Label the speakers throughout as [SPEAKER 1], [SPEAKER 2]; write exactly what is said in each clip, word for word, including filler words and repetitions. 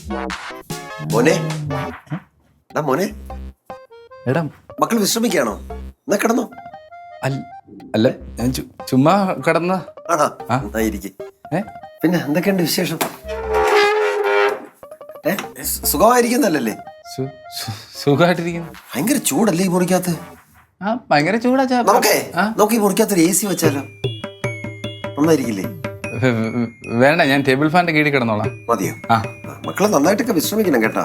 [SPEAKER 1] മോനെ മോനെ
[SPEAKER 2] എടാ
[SPEAKER 1] മക്കൾ വിശ്രമിക്കാണോ? എന്നാ കിടന്നോ.
[SPEAKER 2] അല്ല ഞാൻ ചുമ്മാ കിടന്ന.
[SPEAKER 1] ആണോ? പിന്നെ എന്തൊക്കെയുണ്ട് വിശേഷം? ഏ സുഖമായിരിക്കുന്നല്ലേ?
[SPEAKER 2] സുഖമായിട്ടിരിക്കുന്നു.
[SPEAKER 1] ഭയങ്കര ചൂടല്ലേ ഈ മുറിക്കകത്ത്?
[SPEAKER 2] ആ ഭയങ്കര ചൂടാ.
[SPEAKER 1] നമുക്കേ നമുക്ക് ഈ മുറിക്കകത്ത് എ സി വെച്ചാലോ? നന്നായിരിക്കില്ലേ?
[SPEAKER 2] വേണ്ട, ഞാൻ ടേബിൾ ഫാനിന്റെ കീഴിൽ കിടന്നോളാം.
[SPEAKER 1] മതിയോ? ആ മക്കളെ നന്നായിട്ടൊക്കെ വിശ്രമിക്കണം കേട്ടോ.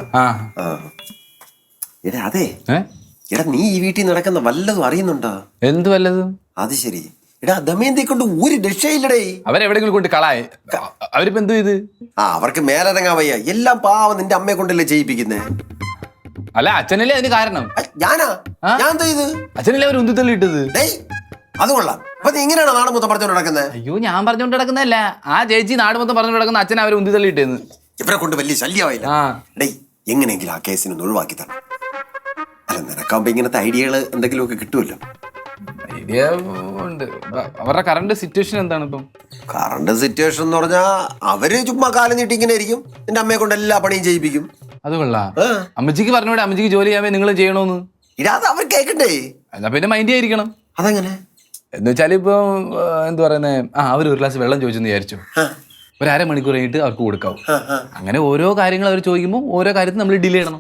[SPEAKER 1] എടാ അതെ, എടാ നീ ഈ വീട്ടിൽ നടക്കുന്ന വല്ലതും അറിയുന്നുണ്ടോ?
[SPEAKER 2] എന്ത് വല്ലതും? അത്
[SPEAKER 1] ശരി. എടാ ദമയന്തി കൊണ്ട് ഒരു രക്ഷയില്ലടേ.
[SPEAKER 2] അവരെവിടെങ്കിലും കൊണ്ട് കളായി. അവരിപ്പോ എന്തു ചെയ്ത്?
[SPEAKER 1] ആ അവർക്ക് മേലിറങ്ങാൻ വയ്യ. എല്ലാം പാവം നിന്റെ അമ്മയെ കൊണ്ടല്ലേ ചെയ്യിപ്പിക്കുന്നേ.
[SPEAKER 2] അല്ല അച്ഛനല്ലേ അതിന് കാരണം.
[SPEAKER 1] ഞാനാ? ഞാൻ എന്താ ചെയ്ത്?
[SPEAKER 2] അച്ഛനല്ലേ അവർ ഉന്തിത്തള്ളി ഇട്ടത്.
[SPEAKER 1] അത് കൊള്ളാം. അപ്പൊ നീ ഇങ്ങനെയാണ് നാട് മൊത്തം പറഞ്ഞോണ്ട് നടക്കുന്നത്?
[SPEAKER 2] അയ്യോ ഞാൻ പറഞ്ഞോണ്ട് നടക്കുന്നതല്ല, ആ ചേച്ചി നാട് മൊത്തം പറഞ്ഞോണ്ട് നടക്കുന്ന അച്ഛനെ അവർ ഉന്തിത്തള്ളി ഇട്ടേന്ന്.
[SPEAKER 1] ഇവരെ കൊണ്ട് വലിയ ശല്യമായില്ല. ഡേയ് എങ്ങനെയെങ്കിലും ആ കേസിന് ഒഴിവാക്കി തന്നെ. അല്ല നിനക്കാകുമ്പോ ഇങ്ങനത്തെ ഐഡിയകള് എന്തെങ്കിലുമൊക്കെ കിട്ടുമല്ലോ.
[SPEAKER 2] ഐഡിയ ഉണ്ട്. അവരുടെ കറണ്ട് സിറ്റുവേഷൻ എന്താണ് ഇപ്പം?
[SPEAKER 1] കറണ്ട് സിറ്റുവേഷൻ എന്ന് പറഞ്ഞാ അവര് ചുമ്മാ കാലം നീട്ടി ഇങ്ങനെ ആയിരിക്കും. നിന്റെ അമ്മയെ കൊണ്ട് എല്ലാ പണിയും ചെയ്യിപ്പിക്കും.
[SPEAKER 2] അത് കൊള്ളാം. അമ്മച്ചിക്ക് പറഞ്ഞൂടെ അമ്മച്ചിക്ക് ജോലി ചെയ്യാൻ നിങ്ങൾ ചെയ്യണോന്ന്?
[SPEAKER 1] ഇടാതെ അവർ കേക്കണ്ടേ?
[SPEAKER 2] എന്നാ പിന്നെ മൈൻഡ് ആയിരിക്കണം.
[SPEAKER 1] അതെങ്ങനെ
[SPEAKER 2] എന്ന് വെച്ചാൽ ഇപ്പൊ എന്ത് പറയുന്നേ, ആ അവർ ഒരു ഗ്ലാസ് വെള്ളം ചോദിച്ചെന്ന് വിചാരിച്ചു, ഒരു അരമണിക്കൂർ കഴിഞ്ഞിട്ട് അവർക്ക് കൊടുക്കാവും. അങ്ങനെ ഓരോ കാര്യങ്ങൾ അവർ ചോദിക്കുമ്പോൾ ഓരോ കാര്യത്തിൽ നമ്മൾ ഡിലേ ചെയ്യണം.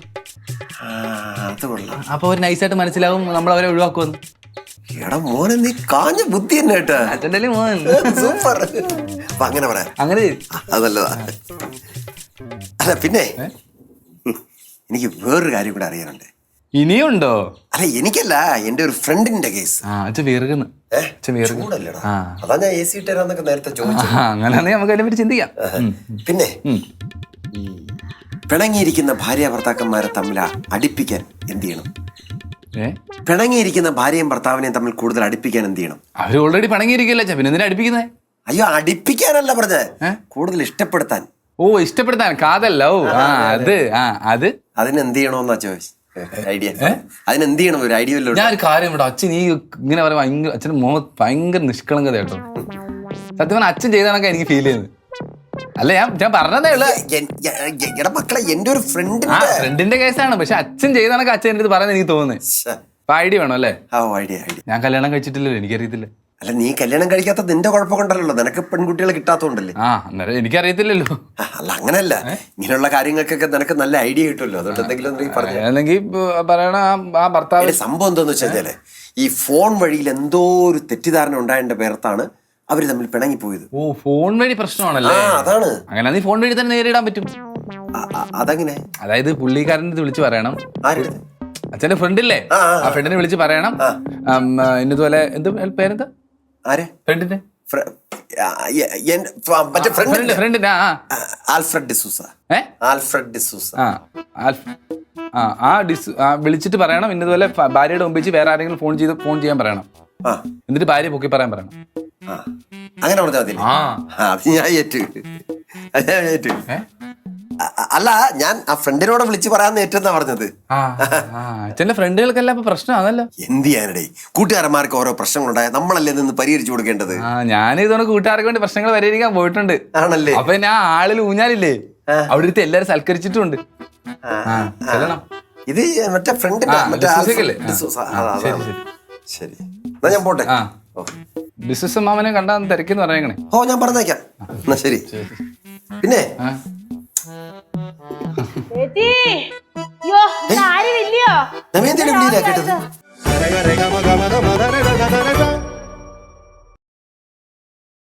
[SPEAKER 2] അപ്പൊ അവർ നൈസായിട്ട് മനസ്സിലാവും നമ്മൾ അവരെ ഒഴിവാക്കുമെന്ന്.
[SPEAKER 1] എടാ മോനെ നീ കാഞ്ഞ ബുദ്ധി തന്നെ കേട്ടാ.
[SPEAKER 2] അച്ഛൻ്റെ മോൻ
[SPEAKER 1] സൂപ്പർ. അങ്ങനെ പറയാം.
[SPEAKER 2] അങ്ങനെ
[SPEAKER 1] അതല്ലതാ. അല്ല പിന്നെ എനിക്ക് വേറൊരു കാര്യം കൂടെ അറിയാനുണ്ട്.
[SPEAKER 2] ഇനിയുണ്ടോ?
[SPEAKER 1] അല്ല എനിക്കല്ല, എന്റെ ഒരു ഫ്രണ്ടിന്റെ കേസ്. അതാ ഞാൻ എ സി ഇട്ടരാന്നൊക്കെ നേരത്തെ ചോദിച്ചു.
[SPEAKER 2] അങ്ങനെ നമുക്ക് അതിനെ പറ്റി ചിന്തിക്കാം.
[SPEAKER 1] പിന്നെ പിണങ്ങിയിരിക്കുന്ന ഭാര്യ ഭർത്താക്കന്മാരെ തമ്മിൽ അടുപ്പിക്കാൻ എന്ത് ചെയ്യണം? പിണങ്ങിയിരിക്കുന്ന ഭാര്യയും ഭർത്താവിനെയും തമ്മിൽ കൂടുതൽ അടുപ്പിക്കാൻ എന്ത് ചെയ്യണം?
[SPEAKER 2] അവര് ഓൾറെഡി പിണങ്ങിയിരിക്കല്ലേ, പിന്നെ എന്തിനാ അടുപ്പിക്കുന്നേ?
[SPEAKER 1] അയ്യോ അടിപ്പിക്കാനല്ല പറഞ്ഞത്, കൂടുതൽ ഇഷ്ടപ്പെടുത്താൻ.
[SPEAKER 2] ഓ ഇഷ്ടപ്പെടുത്താൻ, കാതല്ല. ഓ ആ അത് ആ അത്
[SPEAKER 1] അതിനെന്ത് ചെയ്യണോന്നാ ചോദിച്ചു. ഐഡിയ അതിനെന്ത് ചെയ്യണം? ഒരു ഐഡിയ.
[SPEAKER 2] ഞാൻ ഒരു കാര്യം ഇവിടെ അച്ഛൻ ഈ ഇങ്ങനെ പറയാൻ ഭയങ്കര അച്ഛൻ്റെ മുഖത്ത് ഭയങ്കര നിഷ്കളങ്കത കേട്ടോ. സത്യം പറഞ്ഞാൽ അച്ഛൻ ചെയ്താണൊക്കെ എനിക്ക് ഫീൽ ചെയ്യുന്നത്. അല്ല ഞാൻ ഞാൻ പറഞ്ഞതേ ഉള്ളൂ.
[SPEAKER 1] മക്കളെ എന്റെ ഒരു ഫ്രണ്ട്
[SPEAKER 2] ഫ്രണ്ടിന്റെ കേസാണ്, പക്ഷെ അച്ഛൻ ചെയ്താണൊക്കെ അച്ഛൻ എന്റെ അടുത്ത് പറയുന്നത് എനിക്ക് തോന്നുന്നത്. അപ്പൊ ഐഡിയ വേണം അല്ലേ? ഞാൻ കല്യാണം കഴിച്ചിട്ടില്ലല്ലോ, എനിക്കറിയത്തില്ല.
[SPEAKER 1] അല്ല നീ കല്യാണം കഴിക്കാത്ത നിന്റെ കുഴപ്പം കൊണ്ടല്ലോ, നിനക്ക് പെൺകുട്ടികളെ കിട്ടാത്തോണ്ടല്ലേ.
[SPEAKER 2] ആ അന്നേരം എനിക്കറിയത്തില്ലല്ലോ.
[SPEAKER 1] അല്ല അങ്ങനല്ല, ഇങ്ങനെയുള്ള കാര്യങ്ങൾക്കൊക്കെ നിനക്ക് നല്ല ഐഡിയ കിട്ടുമല്ലോ. അതുകൊണ്ട് എന്തെങ്കിലും
[SPEAKER 2] അല്ലെങ്കിൽ പറയണ ആ ഭർത്താവ്.
[SPEAKER 1] സംഭവം എന്താന്ന് വെച്ചാല് ഈ ഫോൺ വഴിയിൽ എന്തോ ഒരു തെറ്റിദ്ധാരണ ഉണ്ടായതിന്റെ പേർത്താണ് അവര് തമ്മിൽ പിണങ്ങിപ്പോയത്.
[SPEAKER 2] ഓ ഫോൺ വഴി പ്രശ്നമാണല്ലേ?
[SPEAKER 1] അതാണ്.
[SPEAKER 2] അങ്ങനെ നീ ഫോൺ വഴി തന്നെ നേരിടാൻ പറ്റും.
[SPEAKER 1] അതെങ്ങനെ?
[SPEAKER 2] അതായത് പുള്ളിക്കാരൻ്റെ വിളിച്ച് പറയണം, അച്ഛന്റെ ഫ്രണ്ടില്ലേ ആ ഫ്രണ്ടിനെ വിളിച്ച് പറയണം ഇന്നതുപോലെ. എന്ത് പേരെന്താ ഫ്രണ്ടിന്റെ? ഫ്രണ്ടിന്റെ
[SPEAKER 1] ആൽഫ്രഡ് ഡിസൂസ. ആൽഫ്രഡ് ഡിസൂസ.
[SPEAKER 2] ആ ആ ഡിസ് വിളിച്ചിട്ട് പറയണം ഇന്നതുപോലെ ഭാര്യയുടെ മുമ്പ് വെച്ച് വേറെ ആരെങ്കിലും ഫോൺ ചെയ്ത് ഫോൺ ചെയ്യാൻ പറയണം. എന്നിട്ട് ഭാര്യ പൊക്കി പറയാൻ പറയണം.
[SPEAKER 1] അങ്ങനെ പറഞ്ഞാൽ മതി. ഞാൻ ഏറ്റു ഞാൻ ഏറ്റു അല്ല ഞാൻ ആ ഫ്രണ്ടിനോട് വിളിച്ച് പറയാന്ന് ഏറ്റെന്നാ പറഞ്ഞത്.
[SPEAKER 2] അച്ഛന്റെ ഫ്രണ്ടുകൾക്കല്ല ഇപ്പൊ പ്രശ്നം അതല്ല.
[SPEAKER 1] എന്ത് ചെയ്യാനടേ, കൂട്ടുകാരന്മാർക്ക് ഓരോ പ്രശ്നങ്ങളുണ്ടായ നമ്മളല്ലേ നിന്ന് പരിഹരിച്ചു കൊടുക്കേണ്ടത്.
[SPEAKER 2] ഞാൻ ഇതോടെ കൂട്ടുകാർക്ക് വേണ്ടി പ്രശ്നങ്ങൾ പരിഹരിക്കാൻ പോയിട്ടുണ്ട്.
[SPEAKER 1] ആണല്ലേ?
[SPEAKER 2] അപ്പൊ ഞാൻ ആളിൽ ഊഞ്ഞാലില്ലേ അവിടെ എടുത്ത് എല്ലാരും സൽക്കരിച്ചിട്ടുണ്ട്.
[SPEAKER 1] ഇത് മറ്റേ ഫ്രണ്ടിന്റെ ശരി, എന്നാ ഞാൻ പോട്ടെ.
[SPEAKER 2] ബിസിനസ് മാമനെ കണ്ടാ തിരക്കെന്ന് പറയണേ.
[SPEAKER 1] ഓ ഞാൻ പറഞ്ഞേക്കാം. എന്നാ ശരി. പിന്നെ
[SPEAKER 3] ആരും ഇല്ലയോ?
[SPEAKER 1] കേട്ടത്